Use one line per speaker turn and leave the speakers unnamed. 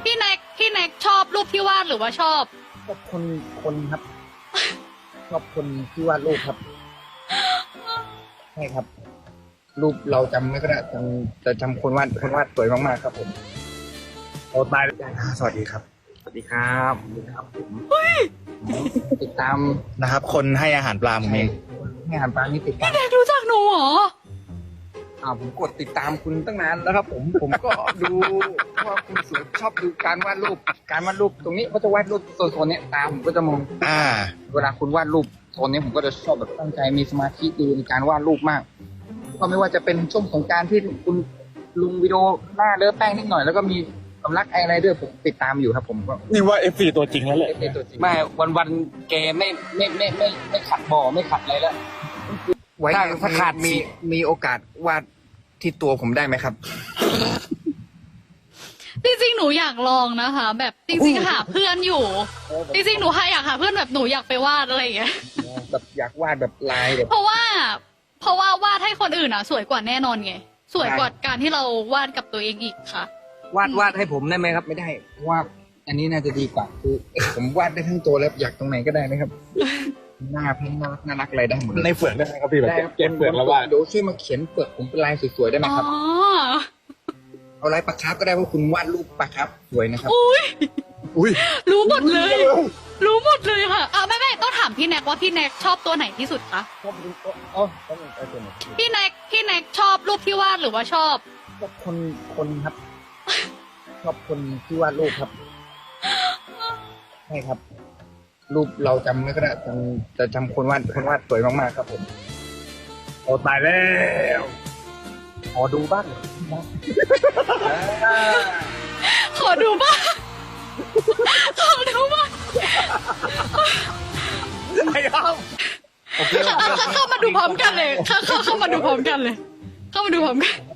พี่แน็กชอบรูปที่วาดหรือว่าชอบ
ชอบคนครับ ชอบคนที่วาดรูปครับใช่ครับ รูปเราจำไม่ก็ได้แต่จำคนวาดสวยมากๆครับผมโอ้ตายแล้วสวัสดีครับ สวัสดีครับสวัสดีครับผมติดตาม
นะครับ คนให้อาหารปลาผมเอง
ให้อาหารปลานี่ติดตาม
พี่แน็กรู้จักหนูเหรอ
ผมกดติดตามคุณตั้งนานแล้วครับ ผมก็ดูว่าคุณสวยชอบดูการวาดรูปตรงนี้เขาจะวาดรูปโซนเนี้ยตามผมก็จะมอง เวลาคุณวาดรูปโซนนี้ผมก็จะชอบแบบตั้งใจมีสมาธิดูในการวาดรูปมากก็ไม่ว่าจะเป็นช่วงสงกรานต์ที่คุณลงวิดีโอหน้าเลอะแป้งนิดหน่อยแล้วก็มีสำลักอะไรด้วยผมติดตามอยู่ครับ ผมก็
นี่ว่า FC ตัวจริงแล้วแหละ
ไม่วันแกไม่ขัดบ่อไม่ขัดอะไรแล้วถ้าขาดมีโอกาสวาดที่ตัวผมได้ไหมครับ
จริงๆหนูอยากลองนะคะ แบบจริงๆหาเพื่อนอยู่ จริงๆหนูอยากหาเพื่อนแบบหนูอยากไปวาดอะไรอย่างเงี้ย
แบบอยากวาดแบบลายแบบ
เพราะว่าวาดให้คนอื่นอ่ะ สวยกว่าแน่นอนไงสวยกว่าการที่เราวาดกับตัวเองอีกค่ะ
วาดให้ผมได้ไหมครับ ไม่ได้วาดอันนี้น่าจะดีกว่าคือผมวาดได้ทั้งตัวแล้วอยากตรงไหนก็ได้ไหมครับ หน้าเพ้งน่ารักอะไรได้หมดเลย
ในเฟือกได้ไหมครับพี่แบบเก็บเฟือกแล้วว่า
เดี๋ยวช่วยมาเขียนเปลือกผมเป็นลายสวยๆได้ไหม
อ๋อ
ครับเอาลายปลาคาร์ฟก็ได้เพราะคุณวาดรูปปลาคาร์ฟสวยนะครับ
อุ้ย
รู้หมดเลย รู้หมดเลยค่ะไม่ต้องถามพี่แน็กว่าพี่แน็กชอบตัวไหนที่สุดคะ
ชอบดูอ๋อต้องเอาตัวไหน
พี่แน็กชอบรูปที่วาดหรือว่าชอบ
ชอบคนครับ ชอบคนที่วาดรูปครับใช่ครับ รูปเราจำไม่ก็ได้แต่จำคนวาดสวยมากๆครับผมโอ้ตายแล้วขอดูบ้าง
ขอดูบ้างขอดูบ้าง
ไอ้ครับ
โอเค
เข้ามาดูพร้อมกันเลยเข้ามาดูพร้อมกันเลย เข้ามาดูพร้อมกัน